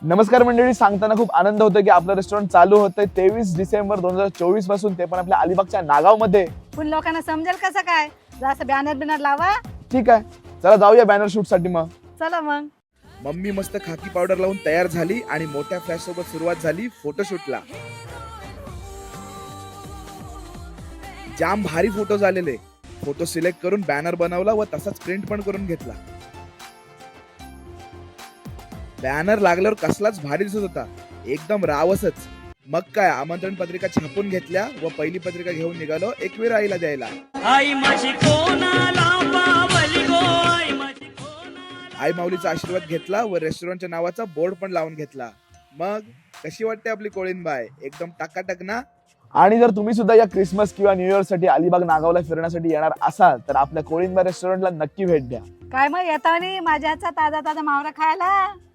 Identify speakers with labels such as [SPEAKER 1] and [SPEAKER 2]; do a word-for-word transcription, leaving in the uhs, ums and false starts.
[SPEAKER 1] नमस्कार मंडळी, सांगताना खूप आनंद होतो की आपलं रेस्टॉरंट चालू होतंय तेवीस डिसेंबर दोन हजार चोवीस पासून, ते पण आपल्या अलिबागच्या नागाव मध्ये.
[SPEAKER 2] पण लोकांना समजेल कसं काय? जसं बॅनर बिनर लावा.
[SPEAKER 1] ठीक आहे, चला जाऊया बॅनर शूट साठी. मग
[SPEAKER 2] चला मग.
[SPEAKER 3] मम्मी मस्त खाकी पावडर लावून तयार झाली आणि मोठ्या फ्लॅश सोबत सुरुवात झाली फोटोशूटला. जाम भारी फोटो झालेले. फोटो सिलेक्ट करून बॅनर बनवला व तसाच प्रिंट पण करून घेतला. बॅनर लागल्यावर कसलाच भारी दिसत होता, एकदम रावसच. मग काय, आमंत्रण पत्रिका छापून घेतल्या व पहिली पत्रिका घेऊन निघालो एकवीर आईला द्यायला.
[SPEAKER 4] आई माझी कोणाला पावली गो, आई माझी कोणाला.
[SPEAKER 3] आई माऊलीचा आशीर्वाद घेतला व रेस्टॉरंटच्या नावाचा बोर्ड पण लावून घेतला. मग कशी वाटते आपली कोळीनबाई? एकदम टाकाटक ना?
[SPEAKER 1] आणि जर तुम्ही सुद्धा या क्रिसमस किंवा न्यू इयर साठी अलिबाग नागावला फिरण्यासाठी येणार असाल तर आपल्या कोळीनबाई रेस्टॉरंटला नक्की भेट द्या.
[SPEAKER 2] काय मग येतानी माझ्या हातचा ताजा ताजा मावरा खायला.